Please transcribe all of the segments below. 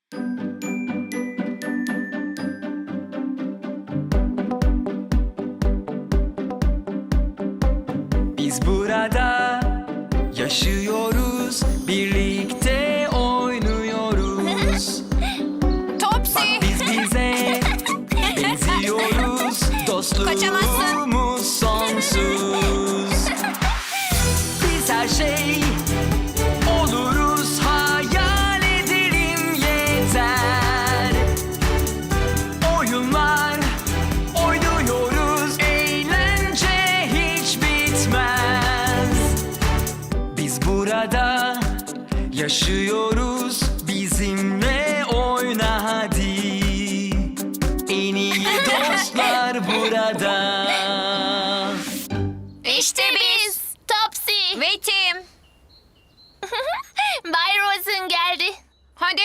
Biz burada yaşıyoruz, birlikte oynuyoruz. Topsy. Bak biz bize benziyoruz, dostluğumuz sonsuz. Biz her şey oluruz, hayal edelim yeter. Oyunlar oynuyoruz, eğlence hiç bitmez. Biz burada yaşıyoruz, bizimle oyna hadi. En iyi dostlar burada. İşte biz. Topsy. Ve Tim. Bay Rosen geldi. Hadi.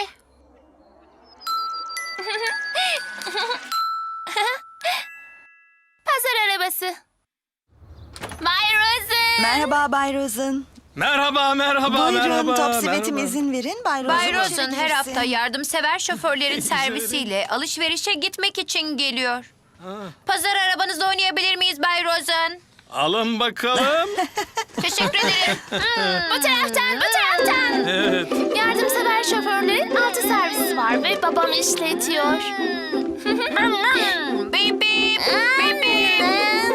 Pazar arabası. Bay Rosen. Merhaba Bay Rosen. Merhaba, Buyurun merhaba. Topsy ve Tim izin verin. Bay Rosen, Bay içeri Rosen her girsin. hafta yardımsever şoförlerin servisiyle alışverişe gitmek için geliyor. Pazar arabanızda oynayabilir miyiz Bay Rosen? Alın bakalım. Teşekkür ederim. Bu taraftan, bu taraftan. Evet. Yardımsever şoförlerin 6 servisi var ve babam işletiyor. Bip bip, bip bip.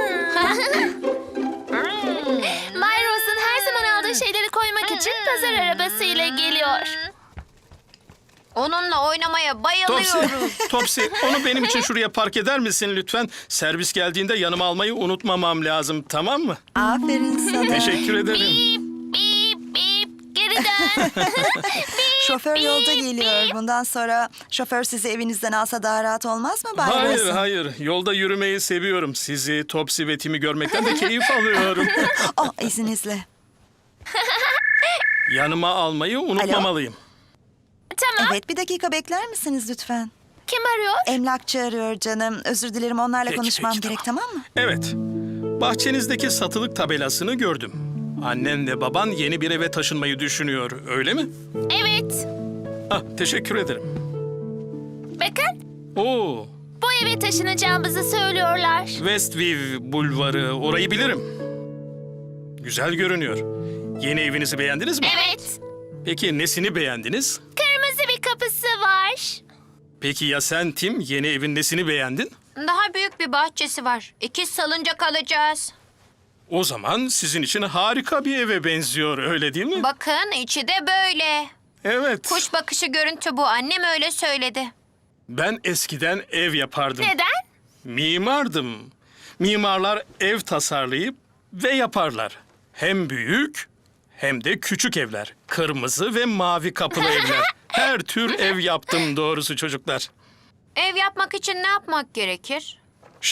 Bay Rosen her zaman aldığı şeyleri koymak için pazar arabasıyla geliyor. Onunla oynamaya Topsy, bayılıyorum. Topsy, onu benim için şuraya park eder misin lütfen? Servis geldiğinde yanıma almayı unutmamam lazım, tamam mı? Aferin sana. Teşekkür ederim. Bip bip bip geri dön. Şoför yolda geliyor. Bundan sonra şoför sizi evinizden alsa daha rahat olmaz mı Bay Hayır, Rosen? hayır. Yolda yürümeyi seviyorum. Sizi, Topsy ve Tim'i görmekten de keyif alıyorum. Oh, izninizle. Yanıma almayı unutmamalıyım. Tamam. Evet, bir dakika bekler misiniz lütfen? Kim arıyor? Emlakçı arıyor canım. Özür dilerim, onlarla Peki, konuşmam peki, gerek, tamam mı? Evet. Bahçenizdeki satılık tabelasını gördüm. Annen ve baban yeni bir eve taşınmayı düşünüyor, öyle mi? Evet. Ah, teşekkür ederim. Bakın Oo, bu eve taşınacağımızı söylüyorlar. Westview Bulvarı, orayı bilirim. Güzel görünüyor. Yeni evinizi beğendiniz mi? Evet. Peki nesini beğendiniz? Kırmızı bir kapısı var. Peki ya sen Tim, yeni evin nesini beğendin? Daha büyük bir bahçesi var. 2 salıncak alacağız. O zaman sizin için harika bir eve benziyor, öyle değil mi? Bakın içi de böyle. Evet. Kuş bakışı görüntü bu. Annem öyle söyledi. Ben eskiden ev yapardım. Neden? Mimardım. Mimarlar ev tasarlayıp ve yaparlar. Hem büyük hem de küçük evler. Kırmızı ve mavi kapılı evler. Her tür ev yaptım doğrusu çocuklar. Ev yapmak için ne yapmak gerekir?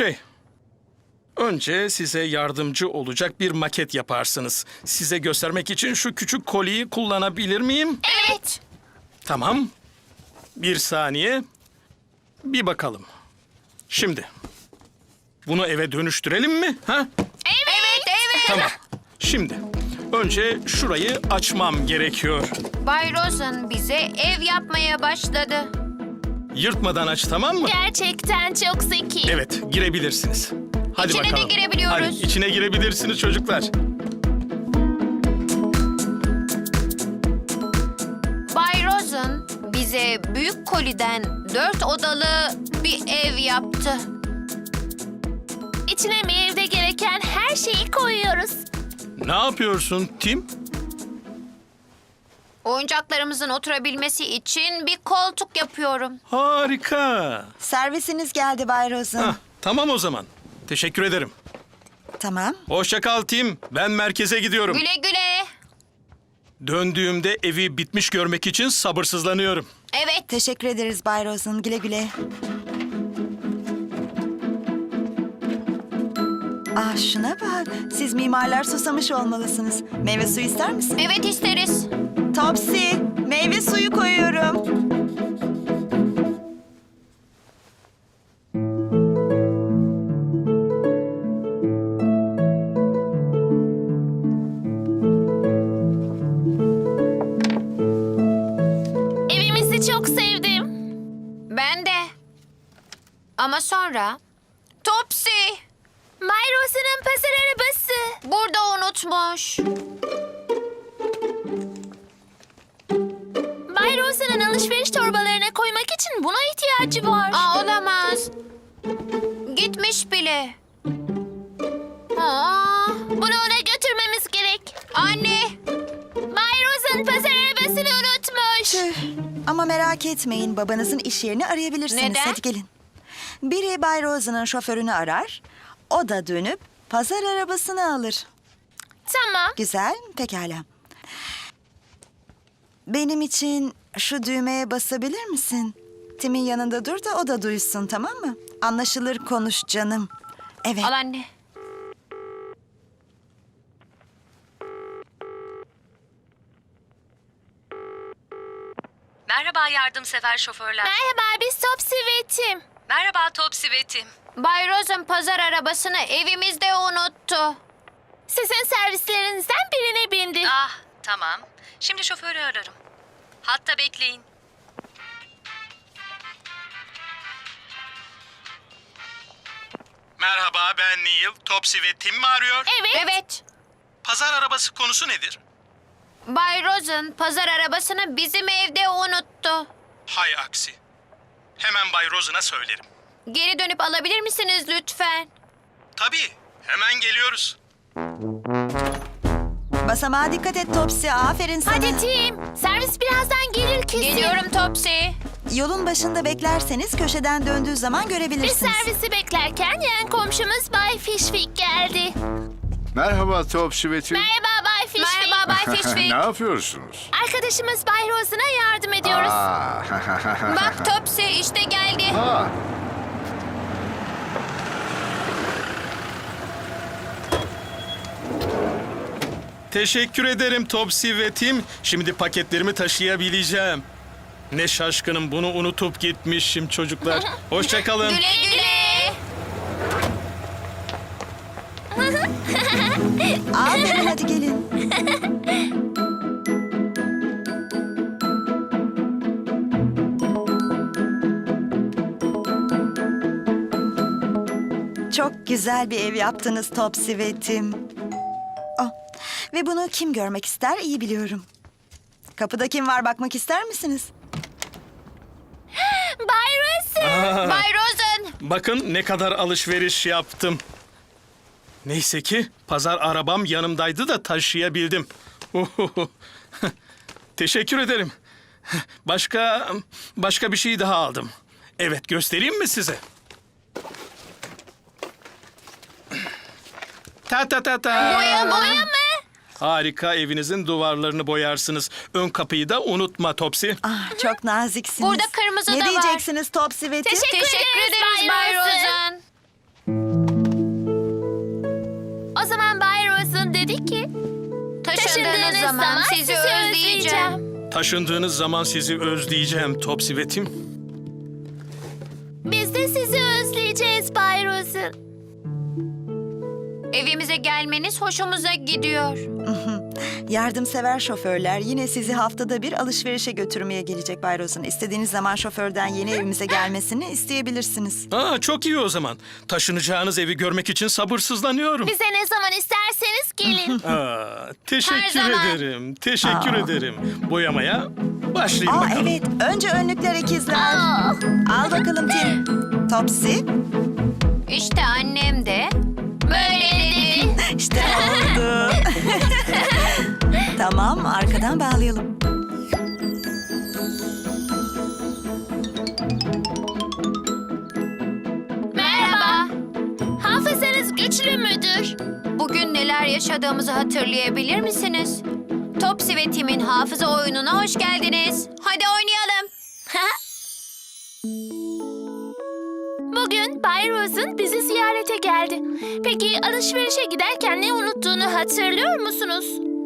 Önce size yardımcı olacak bir maket yaparsınız. Size göstermek için şu küçük kolyeyi kullanabilir miyim? Evet. Tamam. Bir saniye. Bir bakalım. Şimdi. Bunu eve dönüştürelim mi? Ha? Evet. Tamam. Şimdi. Önce şurayı açmam gerekiyor. Bay Rosen bize ev yapmaya başladı. Yırtmadan aç, tamam mı? Gerçekten çok zeki. Evet, girebilirsiniz. Hadi İçine de bakalım. girebiliyoruz. Hadi içine girebilirsiniz çocuklar. Bay Rosen bize büyük koliden 4 odalı bir ev yaptı. İçine meyvede gereken her şeyi koyuyoruz. Ne yapıyorsun Tim? Oyuncaklarımızın oturabilmesi için bir koltuk yapıyorum. Harika. Servisiniz geldi Bay Rosen. Hah, tamam o zaman. Teşekkür ederim. Tamam. Hoşça kal Tim. Ben merkeze gidiyorum. Güle güle. Döndüğümde evi bitmiş görmek için sabırsızlanıyorum. Evet. Teşekkür ederiz Bay Rosen. Güle güle. Ah, şuna bak. Siz mimarlar susamış olmalısınız. Meyve suyu ister misin? Evet isteriz. Topsy, meyve suyu koyuyorum. Evimizi çok sevdim. Ben de. Ama sonra... Topsy! Bay Rose'un pazar arabası. Burada unutmuş. Bay Rose'un alışveriş torbalarına koymak için buna ihtiyacı var. Olamaz. Gitmiş bile. Bunu ona götürmemiz gerek. Anne! Bay Rose'un pazar arabasını unutmuş. Tüh. Ama merak etmeyin, babanızın iş yerini arayabilirsiniz. Neden? Hadi gelin. Biri Bay Rose'un şoförünü arar. O da dönüp pazar arabasını alır. Tamam. Güzel, pekala. Benim için şu düğmeye basabilir misin? Tim'in yanında dur da o da duysun, tamam mı? Anlaşılır konuş canım. Evet. Al anne. Merhaba yardımsever şoförler. Merhaba, biz Topsy ve Tim. Merhaba Topsy ve Tim. Bay Rose'un pazar arabasını evimizde unuttu. Sizin servislerinizden birine bindi. Ah tamam. Şimdi şoförü ararım. Hatta bekleyin. Merhaba, ben Neil. Topsy ve Tim mi arıyor? Evet. Pazar arabası konusu nedir? Bay Rose'un pazar arabasını bizim evde unuttu. Hay aksi. Hemen Bay Rosen'a söylerim. Geri dönüp alabilir misiniz lütfen? Tabii, hemen geliyoruz. Basamağa dikkat et Topsy, aferin sana. Hadi Tim, servis birazdan gelir kesin. Geliyorum Topsy. Yolun başında beklerseniz köşeden döndüğü zaman Biz görebilirsiniz. servisi beklerken yan komşumuz Bay Fishwick geldi. Merhaba Topsy ve Tim. Merhaba Bay Fishwick. Merhaba Bay Ne Fishwick. yapıyorsunuz? Arkadaşımız Bay Rose'una yardım ediyoruz. Bak Topsy işte geldi. Aa, Teşekkür ederim Topsy ve Tim. Şimdi paketlerimi taşıyabileceğim. Ne şaşkınım, bunu unutup gitmişim çocuklar. Hoşça kalın. Güle güle. Aferin, hadi gelin. Çok güzel bir ev yaptınız Topsy ve Tim. Oh. Ve bunu kim görmek ister iyi biliyorum. Kapıda kim var, bakmak ister misiniz? Bay Rose. Bay Rosen. Bakın ne kadar alışveriş yaptım. Neyse ki pazar arabam yanımdaydı da taşıyabildim. Teşekkür ederim. Başka bir şey daha aldım. Evet, göstereyim mi size? Ta ta ta ta. Boya mı? Harika, evinizin duvarlarını boyarsınız. Ön kapıyı da unutma Topsy. Ah, çok naziksiniz. Burada kırmızı ne da var. diyeceksiniz Topsy ve Tim? Teşekkür ederiz Bay Rosen. O zaman Bay Rose'un dedi ki... Taşındığınız zaman sizi özleyeceğim. Taşındığınız zaman sizi özleyeceğim Topsy ve Tim. Biz de sizi özleyeceğiz Bay Rose'un. Evimize gelmeniz hoşumuza gidiyor. Yardımsever şoförler yine sizi haftada bir alışverişe götürmeye gelecek Bay Rosen. İstediğiniz zaman şoförden yeni evimize gelmesini isteyebilirsiniz. Aa, çok iyi o zaman. Taşınacağınız evi görmek için sabırsızlanıyorum. Bize ne zaman isterseniz gelin. Aa, Her teşekkür zaman. ederim. Teşekkür ederim. Boyamaya başlayayım Aa bakalım. evet, önce önlükler ikizler. Aa. Al bakalım Tim. Topsy. İşte annem de böyle dedi. İşte oldu. Tamam, arkadan bağlayalım. Merhaba. Hafızanız güçlü müdür? Bugün neler yaşadığımızı hatırlayabilir misiniz? Topsy ve Tim'in hafıza oyununa hoş geldiniz. Hadi oynayalım. Bugün Bay Rose'un bizi ziyarete geldi. Peki alışverişe giderken ne unuttuğunu hatırlıyor musunuz?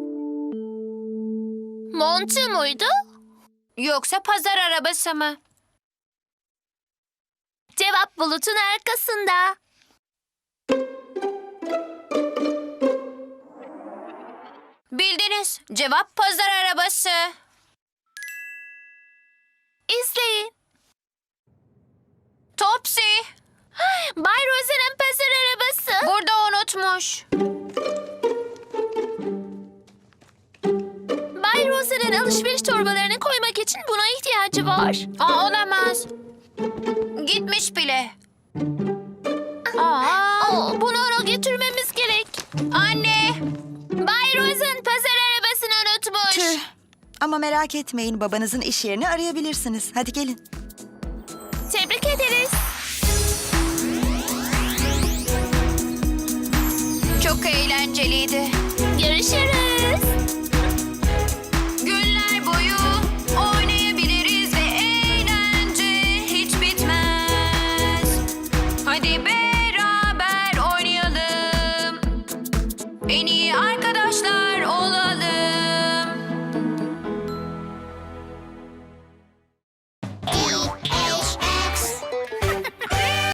Montu muydu? Yoksa pazar arabası mı? Cevap bulutun arkasında. Bildiniz. Cevap pazar arabası. İzleyin. Topsy, Bay Rose'nin pazar arabası. burada unutmuş. Bay Rose'nin alışveriş torbalarını koymak için buna ihtiyacı var. Olamaz. Gitmiş bile. Bunu ona götürmemiz gerek. Anne, Bay Rose'un pazar arabasını unutmuş. Tüh. Ama merak etmeyin, babanızın iş yerini arayabilirsiniz. Hadi gelin. Tebrik ederiz. çok eğlenceliydi. Görüşürüz.